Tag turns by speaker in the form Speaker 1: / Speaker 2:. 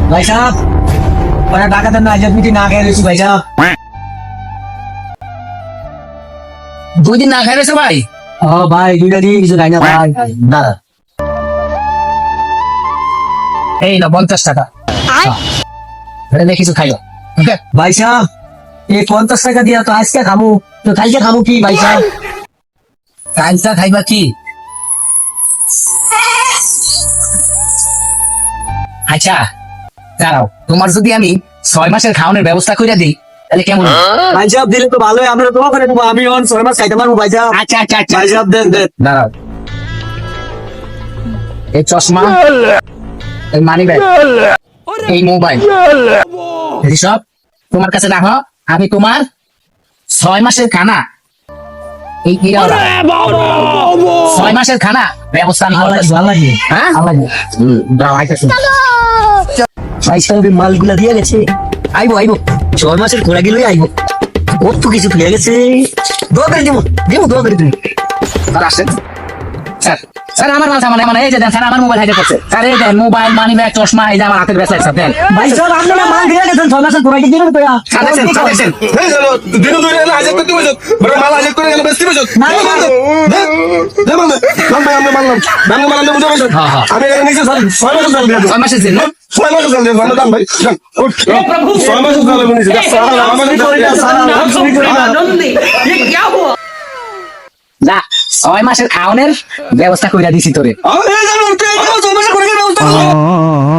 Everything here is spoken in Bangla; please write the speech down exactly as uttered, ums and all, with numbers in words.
Speaker 1: ভাই সাহেব ওরা ডাকাতের না আজ মিটি না খেয়ে রয়েছি ভাই সাহেব।
Speaker 2: দুই দিন না খাই রয়েছে ভাই?
Speaker 1: ও ভাই দুইটা দিন কিছু খাই না ভাই। দাদা
Speaker 2: এই না পঞ্চাশ টাকা, কিছু খাইও।
Speaker 1: ভাই সাহেব এই পঞ্চাশ টাকা দিয়া তো আজকে খামু, তো কালকে খামু কি ভাই সাহেব?
Speaker 2: কালটা খাইবা কি? আচ্ছা দাঁড়াও, তোমার যদি আমি ছয় মাসের খাওয়ানোর ব্যবস্থা করে দিই তাহলে কেমন হয়?
Speaker 1: ভাই সাহেব দিলে তো ভালোই, আমরা তো ওখানে দেবো, আমি অন ছয় মাস খাইতে পারবো ভাই সাহেব।
Speaker 2: আচ্ছা আচ্ছা আচ্ছা
Speaker 1: ভাই সাহেব দেন দেন।
Speaker 2: দাঁড়াও, এই চশমা, এই মানি ব্যাগ, এই মোবাইল, সব তোমার কাছে রাখো। আমি তোমার ছয় মাসের খানা, এই ইরাওরা ছয় মাসের খানা ব্যবস্থা আমি
Speaker 1: ভালো
Speaker 2: করতেছি।
Speaker 1: লাগে ভালো লাগে
Speaker 2: হ্যাঁ
Speaker 1: ভালো লাগে।
Speaker 2: হুম, দাঁড়াও, আইতাছি।
Speaker 1: ভাই সাহেবের মালগুলা দিয়ে গেছে, আইবো আইবো ছয় মাসের ঘোড়া গেলে আইবো, কত কিছু ফিরে গেছে। দোয়া করে দিব দিব দোয়া করে দিব।
Speaker 2: স্যার আসেন। স্যার স্যার আমার মাল সামান মানে এই যে দেন স্যার, আমার মোবাইল হাইডে করছে স্যার। এই দেন মোবাইল, মানি ব্যাগ, চশমা, এই যে আমার হাতের ব্যাগ স্যার দেন।
Speaker 1: ভাই সাহেব আপনি না মাল দিয়ে গেছেন, ছয় মাসের ঘোড়া দিবেন তো।
Speaker 2: স্যার দেখছেন, স্যার দেখছেন।
Speaker 3: এই চলো, দিনু দুই এলা হাজার করতে বসত, বড় মাল হাজার করে গেল বেশি বসত।
Speaker 1: না, না, না।
Speaker 3: দে মাল দে, মাল ভাই আমরা মানলাম, দাম মাল আমরা বুঝা বসত।
Speaker 2: হ্যাঁ, হ্যাঁ।
Speaker 3: আমি এখানে নিচে স্যার ছয় মাসের চাল দিয়ে দেব।
Speaker 2: ছয় মাসের জন্য
Speaker 3: ছয় মাসের চাল দিয়ে দেব, আমরা দাম ভাই। যান, উঠ, ছয় মাসের চাল আমি নিচে। আমাদের
Speaker 2: যা, ছয় মাসের খাওয়ানোর ব্যবস্থা করে দিছি তোরে।
Speaker 3: আরে জানো, ছয় মাসের করে ব্যবস্থা করো।